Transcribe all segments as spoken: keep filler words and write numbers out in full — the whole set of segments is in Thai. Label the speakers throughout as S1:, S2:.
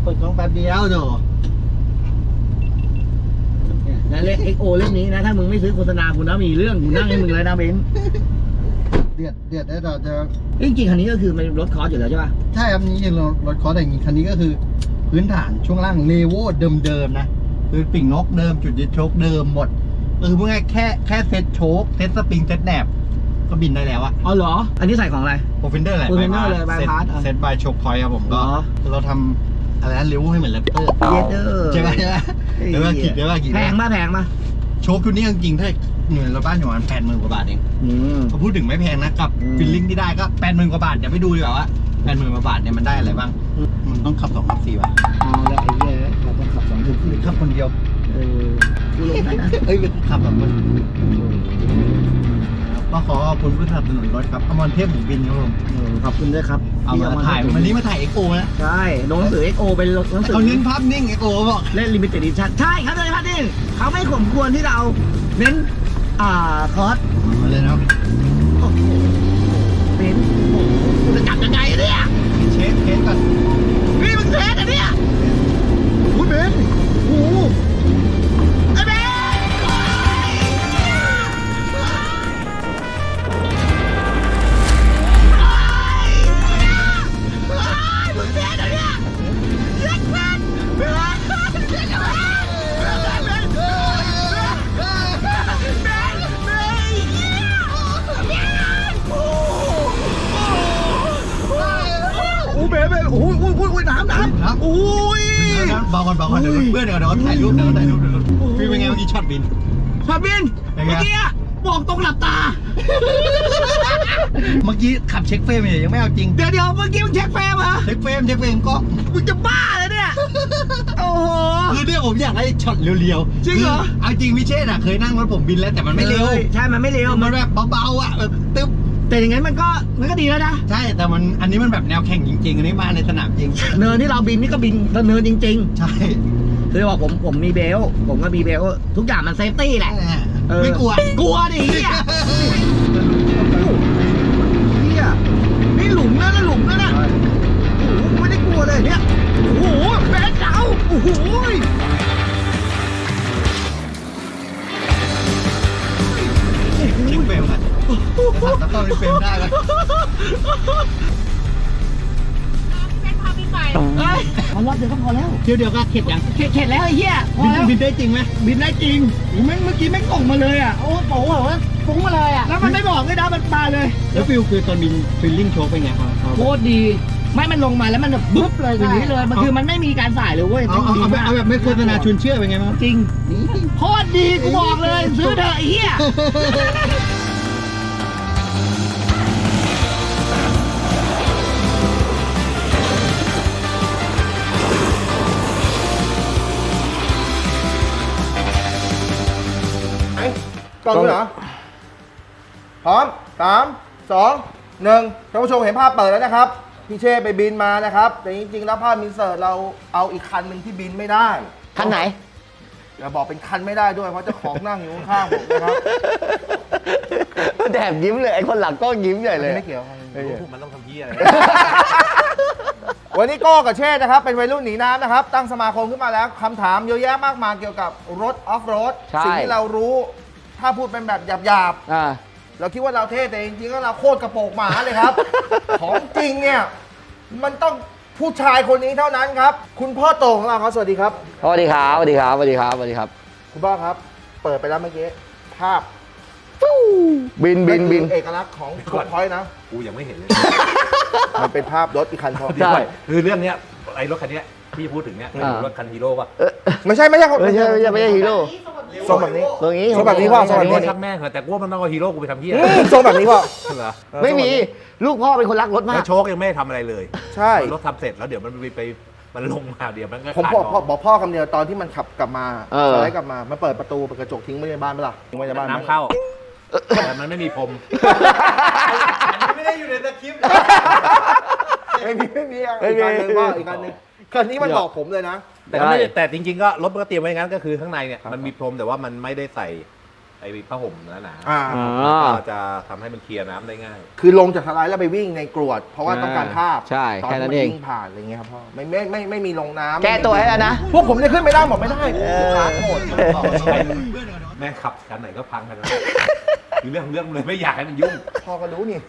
S1: เปิดกล้องแป๊บเดียวเนาะแล้วเลข เอ็กซ์ โอ เล่มนี้นะถ้ามึงไม่ซื้อโฆษณากูนะมีเรื่องกูนั่งให้มึงเลยนะเบนเดือดเดือดได้ต่อจะจริงๆคันนี้ก็คือมันรถคอร์สอยู่แล้วใช่ป่ะใช่ครับนี่รถรถคอร์สแต่จริงคันนี้ก็คือพื้นฐานช่วงล่างเลโวเดิมๆนะคือปิ่งนกเดิมจุดยึดโชคเดิมหมดคือพวกนี้แค่แค่เซ็ตโชคเซ็ตสปริงเซ็ตแหนบก็บินได้แล้วอะอ๋อเหรออันนี้ใส่ของอะไรโปรฟินเดอร์แหละโปรฟินเดอร์เลยบายพาสเซ็ตบายโชคพอยต์ครับผมก็เราทำอะไรนะเลโวให้เหมือนแรปเตอร์ใช่ไหมใช่ไหมเดี๋ยวว่ากี่เดี๋ยวว่ากี่แพงมากแพงมากโชคชุดนี้จริงๆถ้าหน่วยรถบ้านอยู่ประมาณแปดหมื่นกว่าบาทเองเขาพูดถึงไม่แพงนะกับฟิลลิ่งที่ได้ก็แปดหมื่นกว่าบาทเดี๋ยวไปดูดีกว่าว่าแปดหมื่นกว่าบาทเนี่ยมันได้อะไรบ้างมันต้องขับสองขับสี่ป่ะอ๋อแล้วไอ้เหี้ยเราต้องขับสองคือขับคนเดียวเออกูลงได้นะเอ้ยขับแบบมันก็ขอขอบคุณผู้สนับสนุนรถครับอมรเทพหมูบินครับผมขอบคุณด้วยครับเอามาถ่ายวันนี้มาถ่ายเอ็กโอนะใช่ลงหนังสือเอ็กโอเป็นหนังสือเขาเน้นภาพนิ่งเอ็กโอบอกเล่นลิมิเต็ดดิชั่นใช่ครับเลยภาพนิ่งเขาไม่ข่มควรที่เราเน้นอ่าคอร์สมาเลยนะโอ้โหเป็นโอ้โหกูจะจับยังไงเนี่ยเช็คเช็คก่อนนี่มึงเช็คอะเนี่ยโอ้ยเบนโอ้โหไอ้เบนมึงเช็คอะเนี่ยเช็คเบนเบนเช็คอะเบนเบนโอ้ยโอ้ยโอ้ยน้ำน้ำน้ำโอ้ยเบาก่อนเบาก่อนเดี๋ยวเพื่อนเดี๋ยวเดี๋ยวถ่ายรูปเดี๋ยวถ่ายรูปเดี๋ยวพี่เป็นไงเมื่อกี้ช็อตบินช็อตบินเมื่อกี้บอกตรงหลับตาเมื่อกี้ขับเช็คเฟรมเนี่ยยังไม่เอาจริงเดี๋ยวเดี๋ยวเมื่อกี้มึงเช็คเฟรมเหรอเช็คเฟรมเช็คเฟรมก็มึงจะบ้าเลยเนี่ยโอ้โหคือเนี่ยผมอยากได้ช็อตเร็วๆจริงเหรอเอาจริงพี่เชษฐ์อะเคยนั่งรถผมบินแล้วแต่มันไม่เร็วใช่มันไม่เร็วมันแบบเบาๆอะแบบตึ๊บแต่อย่างงั้นมันก็มันก็ดีแล้วนะใช่แต่มันอันนี้มันแบบแนวแข่งจริงๆอันนี้มาในสนามจริงเนินที่เราบินนี่ก็บินเนินจริงๆใช่คือบอกผมผมมีเบลผมก็มีเบลทุกอย่างมันเซฟตี้แหละไม่กลัวกลัวดิเฮียเฮียนี่หลุมนะนะหลุมนะนะโอ้โหไม่ได้กลัวเลยเนี่ยโอ้โหแบนเจ้าโอ้โหยิงเบลกันขับตะก้อนเป็นเฟรมได้แล้วเฮ้ยมันรอบเดียวก็พอแล้วเดี๋ยวเดี๋ยวก็เข็ดยังเข็ดเข็ดแล้วไอ้เหี้ยพอแล้วบินได้จริงไหมบินได้จริงแม่งเมื่อกี้แม่งส่งมาเลยอ่ะโอ้โหฟุ้งมาเลยอ่ะแล้วมันไม่บอกเลยนะมันมาเลยแล้วฟิลคือตอนบินฟิลลิ่งโชว์เป็นไงครับโคตรดีไม่มันลงมาแล้วมันแบบบึ๊บเลยอย่างนี้เลยมันคือมันไม่มีการสายเลยเว้ยเอาเอาเอาแบบไม่โฆษณาชวนเชื่อเป็นไงมั้งจริงโคตรดีกูบอกเลยซื้อเถอะไอ้เหี้ย
S2: กล้องด้วยเหรอพร้อมสามสองหนึ่งท่านผู้ชมเห็นภาพเปิดแล้วนะครับพี่เช่ไปบินมานะครับแต่จริงๆแล้วภาพมินเสิร์ตเราเอาอีกคันหนึ่งที่บินไม่ได้คันไหนอย่าบอกเป็นคันไม่ได้ด้วยเพราะเจ้าของนั่งอยู่ข้างๆผมนะครับ
S1: แดบยิ้มเลยไอ้คนหลังก็ยิ้มใหญ่เลย
S2: ไม่เกี่ยว
S3: พวกมันต้องทำเพี้ยอะไร
S2: วันนี้โก้กับเช่นะครับเป็นวัยรุ่นหนีน้ำนะครับตั้งสมาคมขึ้นมาแล้วคำถามเยอะแยะมากมายเกี่ยวกับรถออฟโรดสิ่งที่เรารู้ถ้าพูดเป็นแบบหยาบๆเราคิดว่าเราเท่แต่จริงๆก็เราโคตรกระโปงหมาเลยครับ ของจริงเนี่ยมันต้องผู้ชายคนนี้เท่านั้นครับคุณพ่อโตของเราครับสวัสดีครับ
S1: สวัสดีครับสวัสดีครับสวัสดีครับสวัสดีครับ
S2: คุณพ่อครับเปิดไปแล้วเมื่อกี้ภาพ
S1: บินบินบิน
S2: เอกลักษณ์ของโชว์พอยต์นะ
S3: กูยังไม่เห็นเลย
S2: มันเป็นภาพรถอีกคันพอ
S3: ใช่คือเรื่องเนี้ยไอ้รถคันเนี้ยที่พูดถึงเนี้ยรถคันฮีโร่ป่ะ
S2: ไม่ใช่ไม่ใช่
S1: ไม่ใช่ไม่ใช่ไม่ใช่ฮีโร่
S2: ทรงแบบนี้
S1: ตรงนี้
S2: ทรงแบบนี้พ่อทรงแบบนี้
S3: ช่างแม่งแต่กูว่ามันต้องเอาฮีโร่กูไปทำเพี้ย
S2: ทรงแบบนี้พ่อ
S3: เหรอ
S1: ไม่มีลูกพ่อเป็นคนรักรถมาก
S3: โชคยังไม่ทำอะไรเลย
S2: ใช่
S3: รถทำเสร็จแล้วเดี๋ยวมันไปมันลงมาเดี๋ยวมันก็
S2: ผมบอกพ่อบอกพ่อคำเดียวตอนที่มันขับกลับมาสไลด์กลับมามันเปิดประตูเปิดกระจกทิ้งไว้ในบ้านไหมล่ะทิ้งไว้ในบ้าน
S3: น้ำเข้าแต่มันไม่มีพรมอันนี้ไม่ได้อยู่ในสคริปต์
S2: ไม่มีไม่มีอีกการหนึ่งพ่ออีกการหนึ่งคันนี้มันบอกผมเลยนะ
S3: แต่ไม่แต่จริงๆก็รถมันก็เตรียมไว้งั้นก็คือข้างในเนี่ยมันมีพรมแต่ว่ามันไม่ได้ใส่ไอ้ผ้าห่มหนา
S2: อ่า
S3: ก็จะทำให้มันเคลียร์น้ำได้ง่าย
S2: คือลงจากสไลด์แล้วไปวิ่งในกรวด เพราะว่าต้องการภาพ
S1: ใช่
S2: ตอน
S1: แค่
S2: ที่
S1: นั้
S2: มัน น
S1: เอง
S2: วิ่งผ่านอะไรเงี้ยครับพ่อไม่ไม่ไม่ไม่มีลงน้ำ
S1: แก้ตัวให้แล้วนะ
S2: พวกผมเนี่ยขึ้นไม่ได้บอกไม่ได้ขาโหด
S3: แม่ขับกันไหนก็พังกันแล้วคือเรื่องของเรื่องเลยไม่อยากให้มันยุ่ง
S2: พ่อก็รู้นี่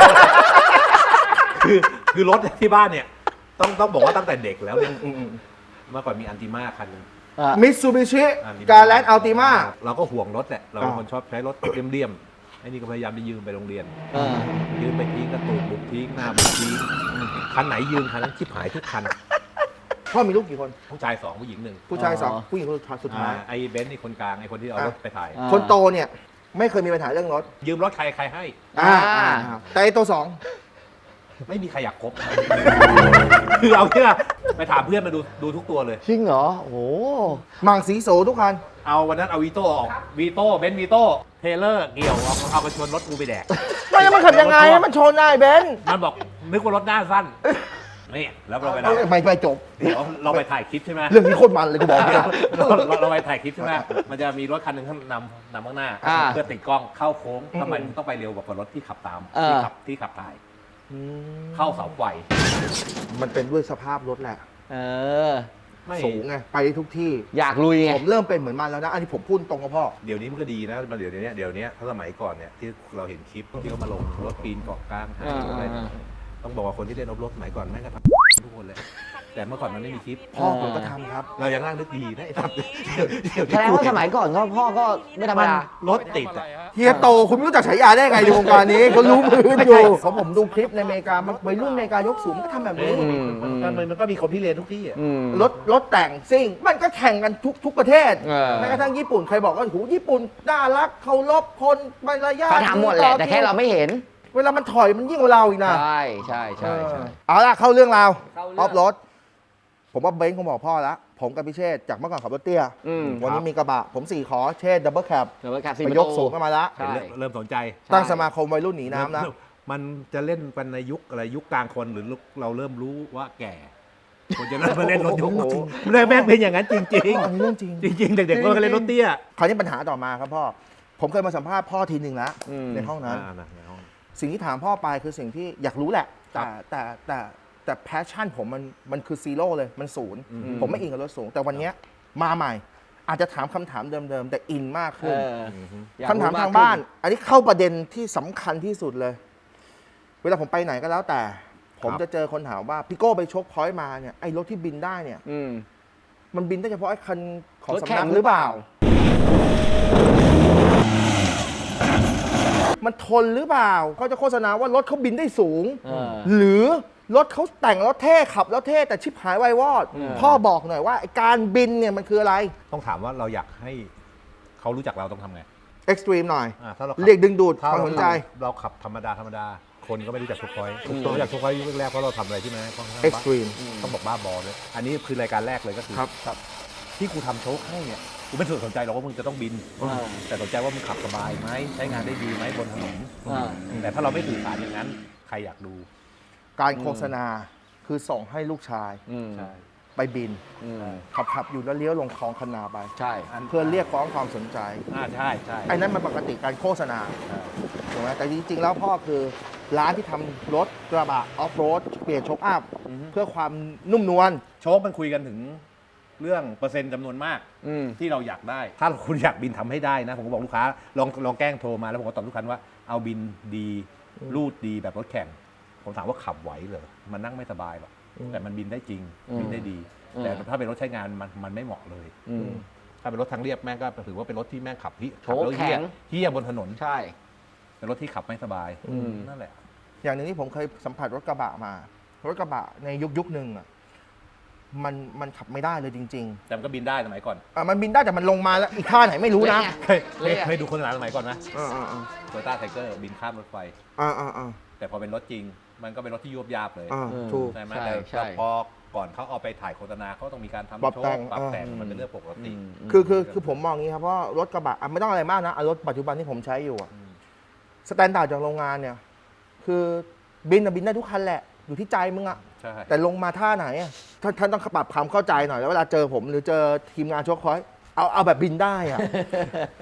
S3: คือคือรถที่บ้านเนี่ย ต้องต้องบอกว่าตั้งแต่เด็กแล้วเนี่ย
S2: อืม
S3: เมื่อก่อนมีอันติมาคันหนึง
S2: มิตซูบิชิ
S3: อันนี้
S2: การแลนด์อัลติมา
S3: เราก็ห่วงรถแหละเราเป็น
S2: อ่า
S3: คนชอบใช้รถเลี่ยมๆไอ้นี่ก็พยายามไปยืมไปโรงเรียน
S1: เออ
S3: ยืมไปทิ้งกระตูกบุกทิ้งหน้าบุกทิ้งคันไหนยืมคันนั้นชิบหายทุกคัน
S2: พ่อมีลูกกี่คน
S3: ผู้ชายสองผู้หญิงหนึ่ง
S2: ผู้ชายสอง
S1: อ๋อ
S2: ผู้หญิงคนสุดท้าย
S3: อ่าไอ้เบนซ์นี่คนกลางไอ้คนที่เอา
S2: อ่ะ
S3: รถไปถ่าย
S1: อ่า
S2: คนโตเนี่ยไม่เคยมีปัญหาเรื่องรถ
S3: ยืมรถใครใครให้
S2: อ่า
S1: อ่า
S2: อ่าแต่ไอ้ตัวสอง
S3: ไม่มีใครอยากคบ คือเอาเนี่ยไปถามเพื่อนมาดูดูทุกตัวเลย
S1: จริงเหรอ โอ้โห
S2: มังสีโสทุกคัน
S3: เอาวันนั้นเอาวีโต้ออกวีโต้เบนซ์วีโต้เทเลอร์เกี่ยวเอาเอาไปชนรถกูไปแดก
S2: ไม่แล้วมันขับยังไงให้มันชนได้เบนซ์
S3: มันบอกนึกว่ารถหน้าสั้นนี่แล้วเราไป
S2: เอาไม่ไม่จบ
S3: เดี๋ยวเราไปถ่ายคลิปใช่ไหม
S2: เรื่องนี้โคตรมันเลยกูบอกเนี่ย
S3: เราเราเราไปถ่ายคลิปใช่ไหมมันจะมีรถคันหนึ่งข้างนำนำข้างหน้า
S1: อ่า
S3: เพื่อติดกล้องเข้าโค้งทำไมมึงต้องไปเร็วกว่ารถที่ขับตาม
S1: เออ
S3: ที่ขับที่ขับถ่ายเข้าเสาไฟ
S2: มันเป็นด้วยสภาพรถแหละ
S1: เออ
S3: ไม่
S2: สูงไงไปได้ทุกที่
S1: อยากลุยไง
S2: ผมเริ่มเป็นเหมือนมันแล้วนะ อันนี้ผมพูดตรงกับพ่อ
S3: เดี๋ยวนี้มันก็ดีนะมันเดี๋ยวนี้เดี๋ยวนี้ถ้าสมัยก่อนเนี่ยที่เราเห็นคลิปที่เขามาลงรถปีนเกาะกลางให้
S1: อ่า
S3: อะไร
S1: อ่า
S3: ต้องบอกว่าคนที่เล่นรถสมัยก่อนแม่งก็ทำทุกคนเลย แต่เมื่อก่อนมันไม่มีคลิป
S2: พ่อผมก็ทำครับ
S3: เรายังนั่งนึกดีนะไอ้ทำเดี๋ยวเดี๋ยว
S1: แสดงว่าสมัยก่อนก็พ่อก็ไม่ธรรม
S3: มัน
S1: ดา
S3: รถติดอ่ะ
S2: เฮียโตคุณไม่รู้จักฉายาได้ไงในวงการนี้เขารู้มืออยู่ผมผมดูคลิปในอเมริกามันวัยรุ่นอเมริกายกสูงมันก็ทำแบบนี้
S1: อืมอืม
S3: มันมันก็มีคนที่เรียนทุกที่อ่ะ
S1: อืม
S2: รถรถแต่งซิ่ง มันก็แข่งกันทุกทุกประเทศ
S1: เออ
S2: แม้กระทั่งญี่ปุ่นใครบอกว่าโอ้โหญี่ปุ่นน่ารักเคารพคนมารยาท
S1: เขาทำหมดแหละ แต่แค่เราไม่เห็น
S2: เวลามันถอยมันยิ่งกว่าเราอีกนะ
S1: ใช่ใช่ใช่ใช่
S2: เออเอาละเข้าเรื่องราว
S1: เข้าเรื่อง
S2: ออฟรถผมว่าเบนซ์คงบอกพ่อแล้วผมกับพิเชษจากเมื่อก่อนขับรถเตี้ย
S1: อืม
S2: วันนี้มีกระบะ ผมสี่ขอเชษดับเบิลแคป
S1: เดี๋ยวไปขับ
S2: ไป
S1: สี่ประ
S2: ย
S1: ตู
S2: กสูงกันมาแล้ว
S1: ใช่
S3: เริ่มเริ่มสนใจ
S2: ตั้งสมาคมวัยรุ่นหนีน้ำนะ
S3: มันจะเล่นกันในยุคอะไรยุคกลางคนหรือเราเริ่มรู้ว่าแก่คนจะเริ่มมาเล่นรถยุค
S2: โอ้โห
S3: แม่งแม่งเป็นอย่างนั้นจริง
S2: อันนี้เรื่องจริง
S3: ๆ จริง ๆ เด็กๆก็เล่นรถเตี้ย
S2: คราวนี้ปัญหาต่อมาครับพ่อ ผมเคยมาสัมภาษณ์พ่อทีหนึ่งแล้ว
S1: อืม
S2: ในห้องนั้น
S3: อ่านะในห้อง
S2: สิ่งที่ถามพ่อไปคือสิ่งที่อยากรู้แหละ
S3: ครั
S2: แต่
S3: บ
S2: แต่แต่แต่แพชชั่นผมมันมันคือซีโร่เลยมันศูนย์
S3: อืม
S2: ผมไม่อินกับรถสูง แต่วันเนี้ยมาใหม่ อาจจะถามคำถามเดิมๆ แต่อินมาก
S1: เอ
S2: ขึ้น
S1: อ
S3: อือฮึ
S1: อยก
S2: คำถาม
S1: รู้ก
S2: ทาง
S1: ขึ้
S2: บ้าน อันนี้เข้าประเด็นที่สำคัญที่สุดเลย เวลาผมไปไหนก็แล้วแต่ ผมจะเจอคนถามว่าพี่โก้ไปชกพอยต์มาเนี่ยไอ้รถที่บินได้เนี่ย
S1: อืม
S2: มันบินได้เฉพาะไอ้คันของ
S1: รถ
S2: สำ
S1: แข่
S2: นั
S1: ง
S2: ก
S1: ห
S2: ห
S1: รื
S2: รือ อ
S1: เป
S2: เป
S1: ล่า
S2: ล่า มันทนหรือเปล่าเขาจะโฆษณาว่ารถเขาบินได้สูง
S1: เออ
S2: หรือรถเขาแต่งแล้วเท่ขับแล้วเท่แต่ชิบหายไวายวอด
S1: อืม
S2: พ่อบอกหน่อยว่าไอ้การบินเนี่ยมันคืออะไร
S3: ต้องถามว่าเราอยากให้เขารู้จักเราต้องทำไง
S2: เอ็กซ์ตรีมหน่อย
S3: อ่าถ้าเราขับ
S2: เรียกดึงดูดค
S3: ถ้าว
S2: าม
S3: เรา
S2: สนใจ
S3: เราขับธรรมดาธรรมดา คนก็ไม่รู้จักทุกพอยต์ทุกตัวรู้จักทุกพอยต์ยุคแรกเพราะเราทำอะไรที่มันค่อนข้าง
S2: เอ็กซ์ตรีม
S3: ต้องบอกบ้าบอเลยอันนี้คือรายการแรกเลยก็คือ
S2: ครับ
S3: ครับที่กูทำโชคให้เนี่ยกูไม่สนใจหรอกว่ามึงจะต้องบิน
S1: อ่า
S3: แต่สนใจว่ามึงขับสบายไหมใช้งานได้ดีไหมบนถนน
S1: อ่า
S3: แต่ถ้าเราไม่สื่อสารอย่างนั้น ใครอยากดู
S2: การโฆษณาคือส่งให้ลูกชาย
S1: อืม
S3: ใช่
S2: ไปบิน
S1: อืม
S2: ขับขับอยู่แล้วเลี้ยวลงคลองคนาไป
S1: ใช่
S2: เพื่อเรียกร้องความสนใจ
S3: อ่าใช่ใช่
S2: ไอ้นั้นมันปกติการโฆษณา
S3: ใช่
S2: ถูกไหมแต่จริงๆแล้วพ่อคือร้านที่ทำรถกระบะออฟโรดเปลี่ยนโชคอัพเพื่อความนุ่มนวล
S3: โชคมันคุยกันถึงเรื่องเปอร์เซ็นต์จำนวนมาก
S1: อืม
S3: ที่เราอยากได้ ถ้าคุณอยากบินทำให้ได้นะ ผมก็บอกลูกค้าลองลองแกล้งโทรมาแล้วผมก็ตอบลูกค้าว่าเอาบินดีรูดดีแบบรถแข่ง ผมถามว่าขับไหวเหรอมันนั่งไม่สบายหรอกแต่มันบินได้จริง
S1: อืม
S3: บินได้ดี
S1: อืม
S3: แต่ถ้าเป็นรถใช้งานมันมันไม่เหมาะเลย
S1: อืม
S3: ถ้าเป็นรถทางเรียบแม่งก็ถือว่าเป็นรถที่แม่งขับที่
S1: โถ
S3: ขับแล้วเฮี้
S1: แข็
S3: ย
S1: ง
S3: เฮี้ยบนถนน
S1: ใช่
S3: เป็นรถที่ขับไม่สบาย
S1: อืม
S3: นั่นแหละ
S2: อย่างหนึ่งที่ผมเคยสัมผัสรถกระบะมา รถกระบะในยุคยุคหนึ่งอ่ะมันมันขับไม่ได้เลยจริง
S3: แต่มันก็บินได้สมัยก่อน
S2: ๆอ่ะมันบินได้แต่มันลงมาแล้วอีกท่าไหนไม่รู้นะ
S3: เคยเคยเคยดูคนหลานสมัยก่อนไหม
S2: อ่าอ่าอ่า
S3: โตโยต้าไทเกอร์บินข้ามรถไฟ
S2: อ่าอ่าอ่า
S3: แต่พอเป็นรถจริง มันก็เป็นรถที่ยวบยาบเลย
S2: อ่า
S1: เออ
S2: ถูก
S3: ใช่ไหม
S1: ใช่
S3: แต่
S1: ใช่
S3: แต่พอก่อนเขาเอาไปถ่ายโฆษณาเขาต้องมีการทำ
S2: ปรับ
S3: โช
S2: แต่
S3: ว์
S2: ง
S3: ปรับ
S2: อ่า
S3: แต่งมันเป็นเรื่องปกติ
S1: อืม
S2: คือคือคือผมมองอย่างนี้ครับเพราะรถกระบะอ่ะไม่ต้องอะไรมากนะอ่ะรถปัจจุบันที่ผมใช้อยู่อ่ะ
S3: อืม
S2: สแตนดาร์ดจากโรงงานเนี่ย คือบินอะบินได้ทุกคันแหละ อยู่ที่ใจมึงอะ
S3: ใช่
S2: แต่ลงมาท่าไหนอะท่านท่านต้องปรับความเข้าใจหน่อยแล้วเวลาเจอผมหรือเจอทีมงานโชคคอยเอาเอาแบบบินได้อะ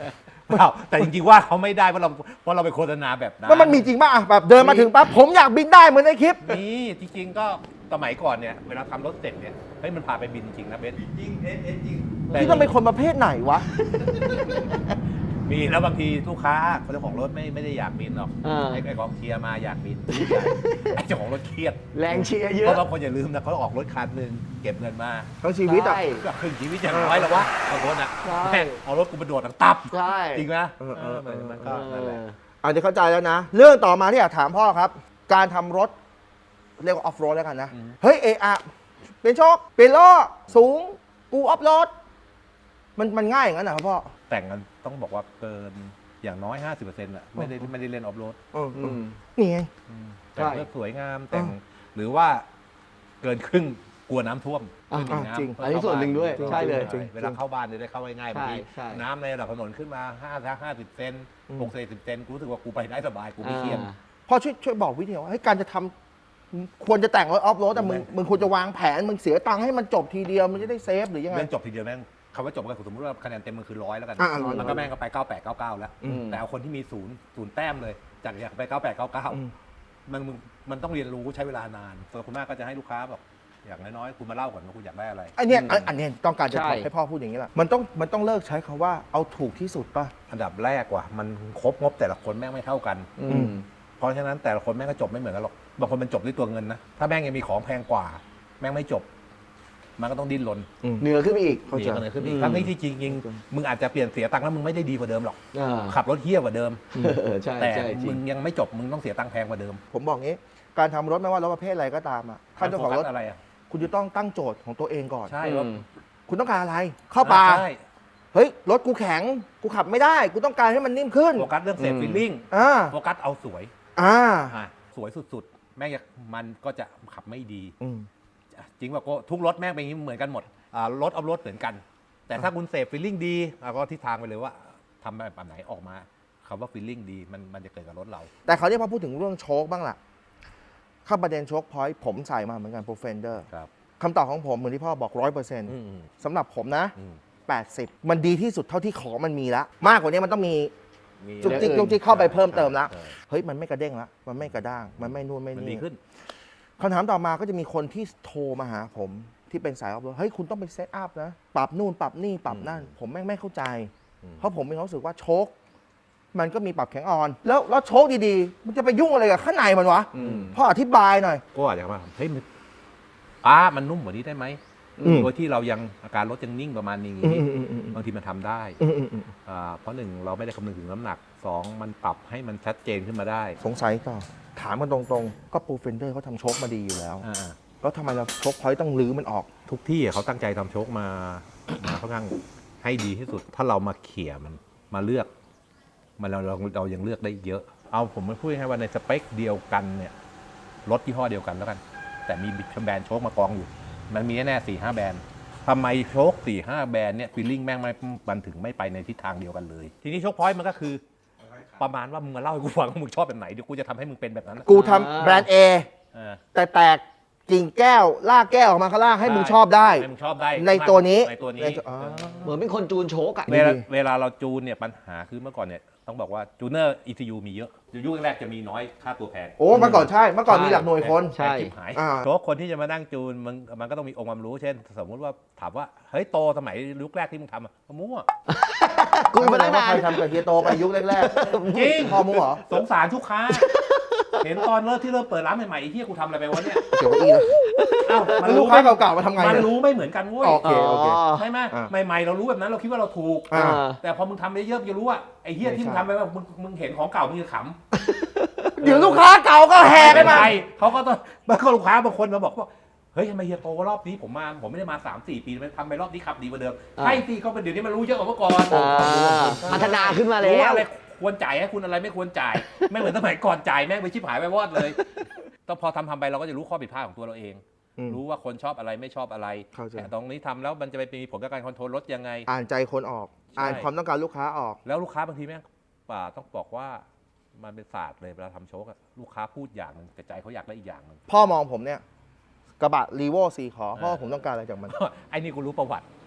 S3: เปล่าแต่จริงๆว่าเขาไม่ได้เพราะเราเพราะเราไปโฆษณาแบบนั้น
S2: แล้วมันมีจริงป่ะอ่ะแบบเดินมาถึงปั๊บผมอยากบินได้เหมือนในคลิป
S3: นี่จริงๆก็สมัยก่อนเนี่ยเวลาทำรถเสร็จเนี่ยเฮ้ยมันพาไปบินจริงนะเบนจริงเอ็นเอ็นจริง
S2: ที่ต้องเป็นคนประเภทไหนวะ
S3: มีแล้วบางทีลูกค้าเจ้าของรถไม่ไม่ได้อยากบินหรอก
S4: อ่า
S3: ไอ้ไอ้กองเชียร์มาอยากบินไอ้เจ้าของรถเครียด
S4: แรงเชียร์เย
S3: เพ
S4: อะ
S3: ราะบางคนอย่าลืมนะเขาออกรถคันหนึ่งเก็บเงินมา
S2: ทั้งชีวิตอ่ะ
S4: ใช่
S3: ก็ครึ่งชีวิตอย่างน้อยแล้ววะบางคนอ่ะ
S4: ใช่
S3: แม่งเอารถกูไปโดดตั้งตับ
S4: ใช่
S3: จริงไหม
S2: เออเออ
S3: เออมันก็นั่นแหละ
S2: อาจจะเข้าใจแล้วนะ เรื่องต่อมาที่อยากถามพ่อครับ การทำรถเรียกว่าออฟโรดแล้วกันนะ เฮ้ยเอะอะเป็นโชคเป็นล้อสูงกูออฟโรดมันมันง่ายอย่างนั้นเหรอครับพ่อ
S3: แต่งกันต้องบอกว่าเกินอย่างน้อย ห้าสิบเปอร์เซ็นต์ อ่ะไม่ได้ไม่ได้เล่นออฟโรด
S2: เออ
S4: อืม
S2: นี่ไง
S3: แต่ง
S4: ใช่
S3: เพื่อสวยงามแต่งหรือว่าเกินครึ่งกลัวน้ำท่วม
S4: อ่ะ
S3: ไม่มีน้ำ
S2: จริง
S3: เพื่
S4: อันนี้ส่วนหนึ่งด้วย
S3: เข้าบ้า
S4: ใช่เลย
S3: จริงเวลาเข้าบ้านจะได้เข้าง่ายๆบางที
S4: ใช่
S3: น้ำในระดับถนนขึ้นมาห้าถ้าห้าสิบเซน
S2: อืม
S3: หกสิบเซนกูรู้สึกว่ากูไปได้สบายกูไม่เครียด
S4: อ่า
S2: พ่อช่วยช่วยบอกวิธีว่าให้ยการจะทำควรจะแต่งรถออฟโรดแต่มึงมึงควรจะวางแผนมึงเสียตังค์ให้มันจบทีเดียวมันจะได้เซฟหรือยังไง
S3: เรื่องจบทีเดียวแม่งคำว่าจบก็คือสมมติว่าคะแนนเต็มมันคือร้อยแล้วกัน
S2: อ่ะร้อย
S3: มันก็แม่งก็ไปเก้าแปดเก้าเก้าแล้ว
S4: อืม
S3: แต่เอาคนที่มีศูนย์ศูนย์แต้มเลยจากอยากไปเก้าแปดเก้าเก้า
S2: อืม
S3: มันมึงมันต้องเรียนรู้ใช้เวลานานส่วนคุณแม่ก็จะให้ลูกค้าบอกอย่างน้อยๆคุณมาเล่าก่อนว่าคุณอยากได้อะไร
S2: ไอเนี้ยอันอันเนี้ยต้องการจะ
S4: ใช่
S2: ให้พ่อพูดอย่างนี้แหละมันต้องมันต้องเลิกใช้คำว่าเอาถูกที่สุดป่ะ
S3: อันดับแรกว่ะมันครบงบแต่ละคนแม่งไม่เท่ากัน
S4: อืม
S3: เพราะฉะนั้นแต่ละคนแม่งก็จบไม่เหมือนกันหรอกบางคนมันจบด้วยตัวเงินนะถ้าแม่งยังมีของแพงกว่า แม่งไม่จบ มันก็ต้องดิ้นรน
S4: เหนือขึ้นไปอีก
S2: เข้าใจ
S3: หนีกันเลยขึ้นอี
S4: อื
S3: ก
S4: ม
S3: ทั้งนี้ที่จริงจริงมึงอาจจะเปลี่ยนเสียตังค์แล้วมึงไม่ได้ดีกว่าเดิมหรอก
S4: อ่า
S3: ขับรถเฮี้ยกว่าเดิม
S4: เออใช่
S3: แต่
S4: ใช่จริ
S3: มึ
S4: ง
S3: งยังไม่จบมึงต้องเสียตังค์แพงกว่าเดิม
S2: ผมบอกงี้การทำรถไม่ว่ารถประเภทอะไรก็ตามอ่ะท่านเจ้าของรถ
S3: โฟกัสอะไรอ่ะ
S2: คุณจะต้องตั้งโจทย์ของตัวเองก่อน
S3: ใช่
S4: อื
S3: รถ
S4: ม
S2: คุณต้องการอะไร เข้าป่า
S3: ใช่
S2: เฮ้ยรถกูแข็งกูขับไม่ได้กูต้องการให้มันนิ่มขึ้น
S3: โฟกัสเรื่องเซฟ
S4: อืม
S3: ฟีลลิ่ง
S2: อ่า
S3: โฟกัสเอาสวย
S2: อ่า
S3: อ่ะสวยสุดๆ แม่งอยากมันก็จะขับไม่ดี
S2: อืม
S3: จริงว่าก็ทุกรถแม่งเป็นอย่างนี้เหมือนกันหมดอ่ารถเอารถเหมือนกัน แต่ถ้าคุณเซฟฟีลลิ่งดีอ่ะก็ทิศทางไปเลยว่าทำแบบไหนออกมาคำว่าฟีลลิ่งดีมันมันจะเกิดกับรถเรา
S2: แต่เขาวนี้พอพูดถึงเรื่องโชคบ้างล่ะเข้าประเด็นโชคพอยต์ผมใส่มาเหมือนกันโปรเฟนเดอร์
S3: ครับ
S2: คำตอบของผมเหมือนที่พ่อบอกร้อยเปอร์เซ็นต์
S3: อืม
S2: สำหรับผมนะ
S3: อืม
S2: แปดสิบมันดีที่สุดเท่าที่ของมันมีแล้วมากกว่านี้มันต้องมี
S3: มี
S2: จุกจิก
S4: เออ
S2: จุกจิกเข้าไปเพิ่มเติมแล้ว
S3: ใช่
S2: เฮ้ยมันไม่กระเด้งแล้วมันไม่กระด้าง มันไม่นู่นไม่
S3: มันดี
S2: นี่
S3: ขึ้น
S2: คำถามต่อมาก็จะมีคนที่โทรมาหาผมที่เป็นสายออฟโรดเฮ้ยคุณต้องไปเซตอัพนะปรับนู่นปรับนี่ปรับนั่น ผมแม่งไม่เข้าใจ
S3: อืม
S2: เพราะผมมีความรู้สึกว่าโชคมันก็มีปรับแข็งอ่อน แล้วแล้วโชคดีๆ มันจะไปยุ่งอะไรกับข้างในมันวะ
S4: อืม
S2: พ่ออธิบายหน่อย
S3: ก็อาจจะมาเฮ้ยมันป้ามันนุ่มกว่านี้ได้ไหม
S2: อืม
S3: โดยที่เรายังอาการรถยังนิ่งประมาณนี้
S2: อืมอืมอืม
S3: บางทีมันทำได้
S2: อืมอืมอืม
S3: อ่าเพราะหนึ่งเราไม่ได้คำนึงถึงน้ำหนักสองมันปรับให้มันชัดเจนขึ้นมาได้
S2: สงสัยต่อถามกันตรงๆ ก็ปูเฟนเดอร์เขาทำโชคมาดีอยู่แล้ว
S3: อ่า
S2: แล้วทำไมเราโชคพอยต์ต้องลื้อมันออก
S3: ทุกที่เขาตั้งใจทำโชคมา มาค่อนข้างให้ดีที่สุด ถ้าเรามาเขี่ยมันมาเลือก มันเราเราเรายังเลือกได้เยอะ เอาผมไม่พูดให้ว่าในสเปคเดียวกันเนี่ยรถยี่ห้อเดียวกันแล้วกัน แต่มีแบรนด์โชคมากองอยู่ มันมีแน่ๆสี่ห้าแบรนด์ทำไมโชคสี่ห้าแบรนด์เนี่ยฟีลลิ่งแม่งไม่มันถึงไม่ไปในทิศทางเดียวกันเลย ทีนี้โชคพอยต์มันก็คือ ประมาณว่ามึงมาเล่าให้กูฟังว่ามึงชอบแบบไหนเดี๋ยวกูจะทำให้มึงเป็นแบบนั้นนะ
S2: กูทำแบรนด์ A
S3: เออ
S2: แต่แตกกิ่งแก้วลากแก้วออกมาข้างล่างให้มึงชอบได้
S3: ให้มึงชอบได้
S2: ในตัวนี้
S3: ในตัวนี้
S2: ในอ๋อ
S4: เหมือนเป็นคนจูนโชกอะ
S3: เวลาเวลาเราจูนเนี่ยปัญหาคือเมื่อก่อนเนี่ยต้องบอกว่าจูเนอร์ อี ซี ยู มีเยอะยุคแรกๆจะมีน้อยค่าตัวแพง
S2: โอ้เมื่อก่อนใช่เมื่อก่อนมีหลักหน่วยคน
S4: ใช่
S3: แพงชิบหาย
S2: อ่า
S3: เพราะคนที่จะมานั่งจูนมันมันก็ต้องมีองค์ความรู้เช่น สมมุติว่าถามว่าเฮ้ยโตสมัยยุคแรกที่มึงทำอะมั่ว
S4: กูมาตั้ง
S2: ว่า
S4: าน
S2: นใครทำกับเฮียโตไปยุคแรก
S3: จริง
S2: ๆพ่อมูเหรอ
S3: สงสารทุกค้า เห็นตอนเริ่มที่เริ่มเปิดร้านใหม่ๆไอ้เฮียกูทำอะไรไปวะเนี่ย
S2: เกี่ยวกับอีนะ
S3: เอ้ามัน
S2: ลู
S3: รู้
S2: ก
S3: ไหม
S2: ค้าเก่าๆมาทำไง
S3: มัน
S2: เนี่ย
S3: รู้ไม่เหมือนกันเว้ย
S2: โอเคโอเค
S3: ใช่ไหม
S2: อ่า
S3: ใหม่ๆเรารู้แบบนั้นเราคิดว่าเราถูก
S2: อ่า
S3: แต่พอมึงทำไปเยอะๆมึงจะรู้ว่าไอ้เฮียที่มึงทำไปว่ามึงมึงเห็นของเก่ามึงจะขำ
S2: เดี๋ยวลูกค้าเก่าก็แห่
S3: ไม่
S2: กั
S3: เป็น น
S2: มา
S3: ไรเขาก็ต้องบางคนลูกค้าบางคนมาบอกว่าเฮ้ยทำไมเฮียโตรอบนี้ผมมาผมไม่ได้มา สามสี่ ปีมันทำไปรอบนี้ขับดีกว่าเดิม
S4: อ่า
S3: ใช่สิก็เป็นเดี๋ยวนี้มันรู้เยอะกว่าเมื่อก่อน
S4: อ่าพัฒนาขึ้นมาแล้
S3: รู้ว่าว อะไรควรจ่ายให้คุณอะไรไม่ควรจ่าย ไม่เหมือนสมัยก่อนจ่ายแม่งไปชิบหายไปวอดเลยต้องพอทำทำไปเราก็จะรู้ข้อผิดพลาดของตัวเราเอง
S2: อืม
S3: รู้ว่าคนชอบอะไรไม่ชอบอะไร
S2: เข้าใจ
S3: แต่ตรงนี้ทำแล้วมันจะไปมีผลกับการคอนโทรลรถยังไง
S2: อ่านใจคนออก
S3: ใช่
S2: อ่านความต้องการลูกค้าออก
S3: แล้วลูกค้าบางทีแม่งป่าต้องบอกว่ามันเป็นศาสตร์เลยเวลาทำโชคอะลูกค้าพูดอย่างหนึงแต่ใจเขาอยากได้อีกอย่างหนึง
S2: พ่อมองผมเนี่ย กระบะรีโวสี่ขอพ่อผมต้องการอะไรจากมัน
S3: ไอ้นี่กูรู้ประวัติ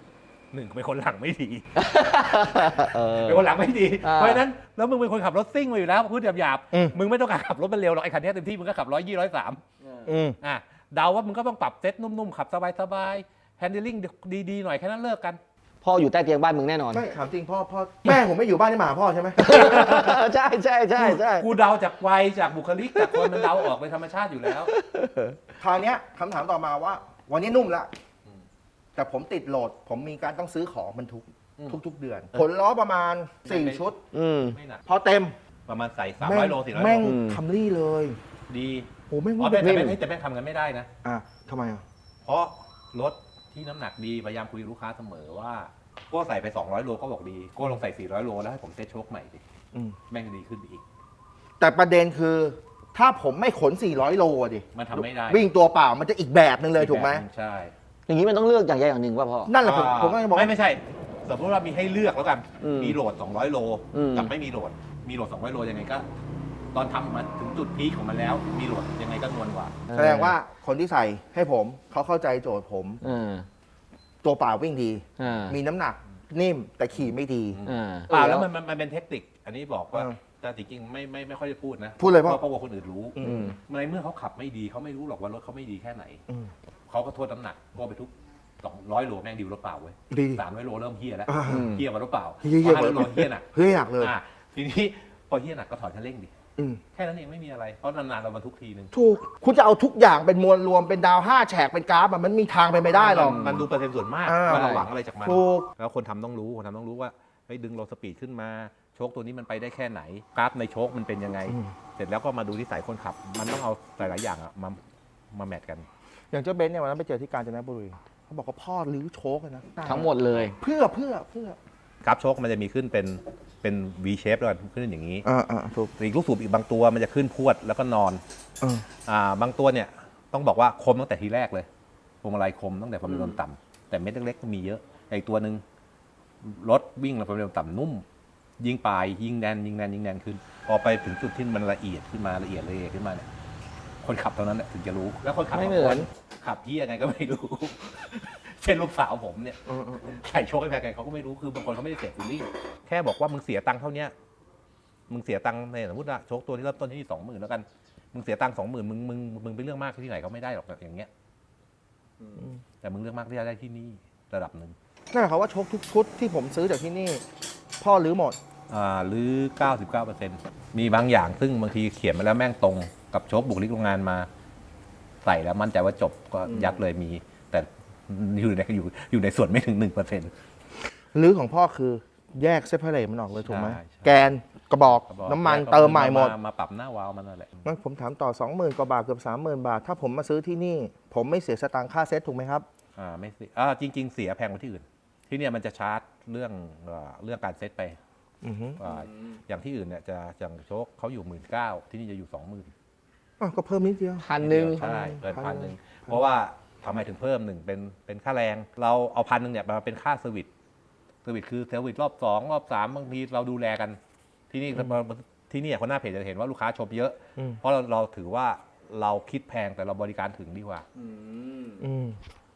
S3: หนึ่งเป็นคนหลังไม่ดี
S4: เออ
S3: เป็นคนหลังไม่ดี
S4: อ่า
S3: เพราะฉะนั้นแล้วมึงเป็นคนขับรถซิ่งมาอยู่แล้วพูดหยาบ
S2: อืม
S3: ๆมึงไม่ต้องการขับรถมันเร็วหรอกไอ้คันนี้เต็มที่มึงก็ขับร้อยยี่ร้อยสาม
S2: อืม
S3: อ่ะเดาว่ามึงก็ต้องปรับเซ็ตนุ่มๆขับสบายๆแฮนดิลิ่งดีๆหน่อยแค่นั้นเลิกกัน
S4: พ่ออยู่ใต้เตียงบ้านมึงแน่นอน
S2: ไม่ถามจริงพ่อพ่อแม่ผมไม่อยู่บ้านนี่หมาพ่อใช่ไหม
S4: ใช่ใช่ใช่ใช่
S3: กูเดาจากวัยจากบุคลิกจากคนมันเดาออกเป็นธรรมชาติอยู่แล้ว
S2: คราวเนี้ยคำถามต่อมาว่า วันนี้นุ่มละแต่ผมติดโหลด ผมมีการต้องซื้อของบรรทุก
S3: อืม
S2: ทุก ๆ เดือน ผลล้อประมาณ สี่ ชุด
S4: อืม
S3: ไม่หนัก
S2: พอเต็ม
S3: ประมาณใส่สาม
S2: แม่
S3: ร้อง ยโลสี่ร้อย
S2: แม่ง
S3: โล
S4: อืม
S2: คัมรี่เลย
S3: ดี
S2: โอ้แม่ง
S3: อ๋อ
S2: ว่า
S3: แต่
S2: แบบ
S3: แต่แม่งแต่แม่งทำกันไม่ได้นะ
S2: อ่ะทำไมอ่ะ
S3: เพราะรถที่น้ำหนักดีพยายามคุยกับลูกค้าเสมอว่าโก้ใส่ไปสองร้อยโลก็บอกดีโก้ลงใส่สี่ร้อยโลแล้วให้ผมเซ็ตโชคใหม่ดิ
S2: อืม
S3: แม่งดีขึ้นไปอีก
S2: แต่ประเด็นคือ ถ้าผมไม่ขน สี่ร้อย โลอะดิ
S3: มันทำไม่ได้
S2: วิ่งตัวเปล่ามันจะอีกแบบหนึ่งเลยถูกไหม
S3: แบบนึงใช่
S4: อย่างนี้มันต้องเลือกอย่างใดอย่างหนึ่งว่าพ่อ
S2: นั่นแหละผม
S3: อ่า
S2: ผมก็จะบอก
S3: ไม่ไม่ใช่ สมมติว่ามีให้เลือกแล้วกัน
S4: อืม
S3: มีโหลดสองร้อยโล
S4: อืม
S3: กับไม่มีโหลด มีโหลดสองร้อยโลยังไงก็ ตอนทำมาถึงจุดพีคของมันแล้ว มีโหลดยังไงก็นวลกว่า
S2: แสดงว่าคนที่ใส่ให้ผมเขาเข้าใจโจทย์ผม
S4: เออ
S2: ตัวเปล่าวิ่งดี
S4: เออ
S2: มีน้ำหนักนิ่มแต่ขี่ไม่ดี
S4: เออ
S3: เปล่าแล้วมันมันมันเป็นเทคนิค อันนี้บอกว่า
S2: เออ
S3: แต่จริงๆไม่ไม่ไม่ค่อยได้พูดนะ
S2: พูดเลยพ่อ
S3: เพราะว่าคนอื่นรู้
S2: อื
S4: อืม
S3: ในเมื่อเขาขับไม่ดีเขาไม่รู้หรอกว่ารถเขาไม่ดีแค่ไหน
S2: อืม
S3: เขาก็โทษน้ำหนักก็ไปทุกสองร้อยโลแม่งดีกว่ารถเปล่าเว้ย
S2: ดี
S3: สามร้อยโลเริ่มเฮี้ยแล้ว
S2: อ่า
S3: เฮี้ยกว่ารถเปล่า
S2: เหี้ยเหี้ย
S3: ห้าร้อยโลเฮี้ยหนัก
S2: เฮ้ยอยากเลย
S3: อ่ะทีนี้พอเฮี้ยหนักก็ถอดคันเร่งดิ
S2: อืม
S3: แค่นั้นเองไม่มีอะไร เพราะนานๆเราบรรทุกทีนึง
S2: ถูก คุณจะเอาทุกอย่างเป็นมวลรวมเป็นดาวห้าแฉกเป็นกราฟอะมันมีทางไปไม่ได้หรอก
S3: มันมันดูเปอร์เซ็นต์ส่วนมาก
S2: อ่า
S3: ว่าเราหวังอะไรจากมัน
S2: ถูก
S3: แล้วคนทำต้องรู้ คนทำต้องรู้ว่าเฮ้ยดึงโลสปีดขึ้นมา โชคตัวนี้มันไปได้แค่ไหน กราฟในโชคมันเป็นยังไง
S2: อืม
S3: เสร็จแล้วก็มาดูที่สายคนขับ มันต้องเอาหลายๆอย่างอะมามาแมทกัน
S2: อย่างเจ้าเบนซ์เนี่ยวันนั้นไปเจอที่กาญจนบุรีเขาบอกว่าพ่อรื้อโชคเลยนะ
S4: ทั้งหมดเลย
S2: เพื่อเพื่อเพื่อก
S3: ราฟโชคมันจะมีขึ้นเป็นเป็น V shape แล้วกันขึ้นอย่างนี้
S2: อ่าอ่าถูก
S3: อีกลูกสูบอีกบางตัวมันจะขึ้นพรวดแล้วก็นอน
S2: เออ
S3: อ่าบางตัวเนี่ยต้องบอกว่าคมตั้งแต่ทีแรกเลยพวงมาลัยคมตั้งแต่ความเร็วต่ำแต่เม็ดเล็กๆก็มีเยอะอีกตัวหนึ่งรถวิ่งแล้วความเร็วต่ำนุ่ม ยิงปลายยิงแนนยิงแนนยิงแนนขึ้น พอไปถึงจุดที่มันละเอียดขึ้นมาละเอียดละเอียดขึ้นมาเนี่ยคนขับเท่านั้นแหละถึงจะรู้ แล้วคนขับ
S4: ไม่เหมือน
S3: ขับที่ยังไงก็ไม่รู้ เช่นลูกสาวผมเนี่ย
S2: เออเออเออ
S3: ใส่โชคให้แพงไงเขาก็ไม่รู้คือบางคนเขาไม่ได้เสียฟิลลิ่งแค่บอกว่ามึงเสียตังค์เท่าเนี้ยมึงเสียตังค์ในสมมติว่าโชคตัวที่เริ่มต้นที่สองหมื่นแล้วกันมึงเสียตังค์สองหมื่นมึงมึงมึงไปเรื่องมากที่ไหนเขาไม่ได้หรอกอย่างเงี้ยแต่มึงเรื่องมากที่จะได้ที่นี่ระดับหนึ่ง
S2: นั่นหมายความว่าโชคทุกชุดที่ผมซื้อจากที่นี่ พ่อรื้อหมด
S3: อ่าหรือ เก้าสิบเก้าเปอร์เซ็นต์ มีบางอย่างซึ่งบางทีเขียนมาแล้วแม่งตรงกับโชคบุคลิกโรงงานมา ใส่แล้วมั่นใจว่าจบก็ยัดเลยมี แต่อยู่ในอยู่อยู่ในส่วนไม่ถึงหนึ่งเปอร์เซ็นต์
S2: รื้อของพ่อคือแยกเซปเปอร์เรตมันออกเลยถูกไหม
S3: ใช่ใช่
S2: แกนกระบอกน้ำมันเติมใหม่หมด
S3: มาปรับหน้าวาล์วมันนั่นแหละ
S2: งั้นผมถามต่อ สองหมื่น กว่าบาทเกือบ สามหมื่น บาท ถ้าผมมาซื้อที่นี่ ผมไม่เสียสตางค์ค่าเซ็ตถูกไหมครับ
S3: อ่าไม่สิอ่าจริง ๆ เสียแพงกว่าที่อื่น ที่เนี่ยมันจะชาร์จเรื่องเอ่อเรื่องการเซตไป
S2: อือฮึ
S3: อ่าอย่างที่อื่นเนี่ยจะอย่างโชคเขาอยู่หมื่นเก้าที่นี่จะอยู่สองหมื่น
S2: อ้าวก็เพิ่มนิดเดียว
S4: พันหนึ่ง
S3: ใช่เกิน
S2: พั
S3: พั
S2: น
S3: น
S2: ห
S3: ห
S2: นึ่
S3: นึ่
S2: ง
S3: งเพราะว่าทำไมถึงเพิ่มหนึ่งเป็นเป็นค่าแรง เราเอาพันหนึ่งเนี่ยมาเป็นค่าเซอร์วิสเซอร์วิสคือเซอร์วิสรอบสองรอบสามบางทีเราดูแลกัน ที่นี่ที่นี่คนหน้าเพจจะเห็นว่าลูกค้าชมเยอะ
S2: อืม
S3: เพราะเราเราถือว่าเราคิดแพงแต่เราบริการถึงดีกว่า
S2: อืม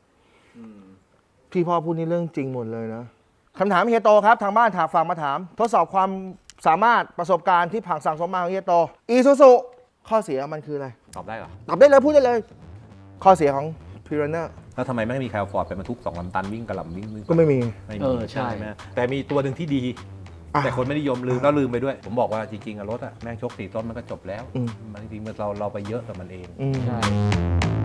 S2: ที่พ่อพูดนี่เรื่องจริงหมดเลยนะคำถามเฮียโตครับ ทางบ้านถามฝากมาถาม ทดสอบความสามารถประสบการณ์ที่ผ่านสั่งสมมาของเฮียโตอีซูซูข้อเสียมันคืออะไร
S3: ตอบได้เหรอ
S2: ตอบได้เลยพูดได้เลย ข้อเสียของพิรันเนอร์
S3: แล้วทำไมไม่มีใครเอาฟอร์ดไปบรรทุกสองลำตันวิ่งกระหล่ำวิ่งวิ่ง
S2: ก็ไม่มี
S3: ไม่
S4: เอ
S3: มี
S4: อใช่
S3: ไหมแต่มีตัวหนึ่งที่ดี
S2: อ่ะ
S3: แต่คนไม่นิยมลืมแล้วลืมไปด้วย ผมบอกว่าจริงๆอะรถอะแม่งชกสี่ต้นมันก็จบแล้ว
S2: อืม
S3: มันจริงๆมันเราเราไปเยอะกับมันเอง
S2: อืม
S4: ใช่